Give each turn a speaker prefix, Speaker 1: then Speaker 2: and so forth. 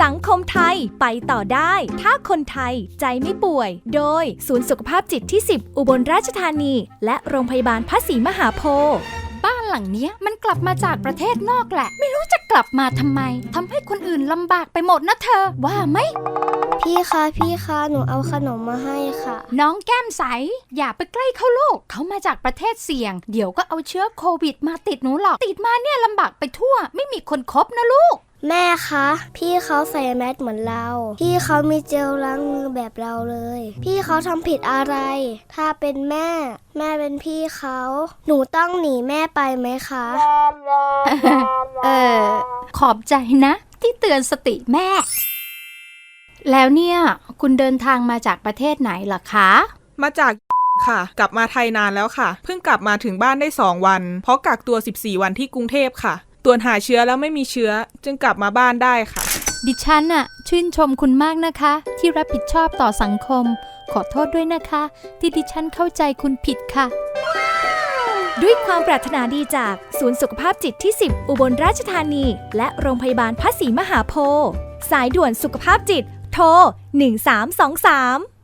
Speaker 1: สังคมไทยไปต่อได้ถ้าคนไทยใจไม่ป่วยโดยศูนย์สุขภาพจิตที่10อุบลราชธานีและโรงพยาบาลพระศรีมหาโพธิ์
Speaker 2: บ้านหลังเนี้ยมันกลับมาจากประเทศนอกแหละไม่รู้จะกลับมาทำไมทำให้คนอื่นลำบากไปหมดนะเธอว่าไหม
Speaker 3: พี่คะหนูเอาขนมมาให้ค่ะ
Speaker 2: น้องแก้มใสอย่าไปใกล้เขาลูกเขามาจากประเทศเสี่ยงเดี๋ยวก็เอาเชื้อโควิดมาติดหนูหรอกติดมาเนี่ยลำบากไปทั่วไม่มีคนคบนะลูก
Speaker 3: แม่คะพี่เขาใส่แมสเหมือนเราพี่เขามีเจลล้างมือแบบเราเลยพี่เขาทำผิดอะไรถ้าเป็นแม่เป็นพี่เขาหนูต้องหนีแม่ไปไหมคะ
Speaker 2: ขอบใจนะที่เตือนสติแม่แล้วเนี่ยคุณเดินทางมาจากประเทศไหนล่ะคะ
Speaker 4: มาจากค่ะกลับมาไทยนานแล้วค่ะเพิ่งกลับมาถึงบ้านได้2 วันเพราะกักตัว14 วันที่กรุงเทพค่ะตรวจหาเชื้อแล้วไม่มีเชื้อจึงกลับมาบ้านได้ค่ะ
Speaker 2: ดิฉันน่ะชื่นชมคุณมากนะคะที่รับผิดชอบต่อสังคมขอโทษด้วยนะคะที่ดิฉันเข้าใจคุณผิดค่ะ
Speaker 1: ด้วยความปรารถนาดีจากศูนย์สุขภาพจิตที่10อุบลราชธานีและโรงพยาบาลพระศรีมหาโพธิ์สายด่วนสุขภาพจิตโทร1323